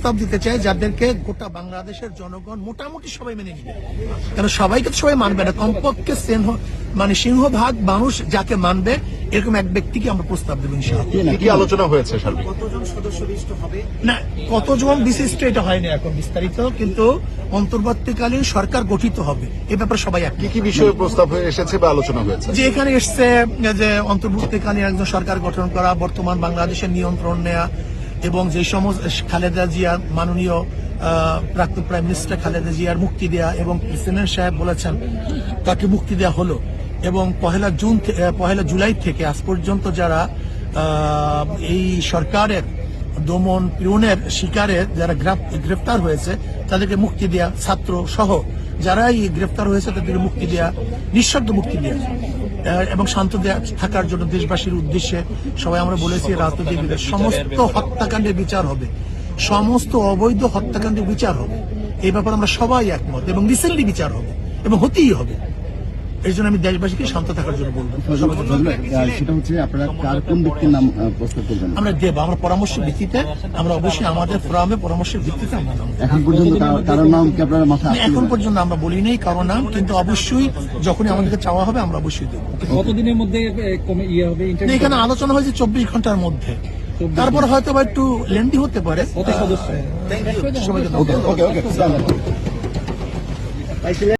প্রস্তাব দিতে চাই যাদেরকে গোটা বাংলাদেশের জনগণ মোটামুটি সবাই মেনে নিবে, কারণ সবাইকে তো সবাই মানবে না, কমপক্ষে সিংহভাগ মানুষ যাকে মানবে এরকম এক ব্যক্তিকে আমরা প্রস্তাব দেবো ইনশাআল্লাহ। কি আলোচনা হয়েছে কতজন সদস্য বিশিষ্ট হবে না, কতজন বিশিষ্ট এটা হয়নি এখন বিস্তারিত, কিন্তু অন্তর্বর্তীকালীন সরকার গঠিত হবে এ ব্যাপারে সবাই এক। কি বিষয়ে প্রস্তাব হয়ে এসেছে বা আলোচনা হয়েছে? যে এখানে এসছে যে অন্তর্বর্তীকালীন একজন সরকার গঠন করা, বর্তমান বাংলাদেশের নিয়ন্ত্রণ নেয়া, এবং যে সমস্ত খালেদা জিয়ার মাননীয় প্রাক্তন প্রাইম মিনিস্টার খালেদা জিয়ার মুক্তি দেয়া, এবং প্রেসিডেন্ট সাহেব বলেছেন তাকে মুক্তি দেওয়া হলো, এবং পহেলা জুলাই থেকে আজ পর্যন্ত যারা এই সরকারের দমন পীড়নের শিকারে যারা গ্রেফতার হয়েছে তাদেরকে মুক্তি দেয়া, ছাত্র সহ যারা এই গ্রেফতার হয়েছে তাদেরকে মুক্তি দেয়া, নিঃশব্দ মুক্তি দেয়া এবং শান্ত থাকার জন্য দেশবাসীর উদ্দেশ্যে সবাই আমরা বলেছি রাজনৈতিক সমস্ত হত্যাকাণ্ডের বিচার হবে, সমস্ত অবৈধ হত্যাকাণ্ডের বিচার হবে, এই ব্যাপারে আমরা সবাই একমত, এবং রিসেন্টলি বিচার হবে এবং হতেই হবে। এই জন্য আমি দেশবাসীকে শান্ত থাকার জন্য বলবো। সেটা হচ্ছে আপনারা কার কোন ব্যক্তির নাম প্রস্তাব করবেন? আমরা দেব, আমরা পরামর্শের ভিত্তিতে, আমরা অবশ্যই আমাদের ফোরামে পরামর্শের ভিত্তিতে আমরা এখন পর্যন্ত কারোর নাম কি আপনার মাথায়? এখন পর্যন্ত আমরা বলি নেই কারো নাম, কিন্তু অবশ্যই যখনই আমাদেরকে চাওয়া হবে আমরা অবশ্যই দেবো। কতদিনের মধ্যে হবে? এখানে আলোচনা হয়েছে 24 ঘন্টার মধ্যে, তারপর হয়তো বা একটু লেন্দি হতে পারে। কত সদস্য? সবাইকে ওকে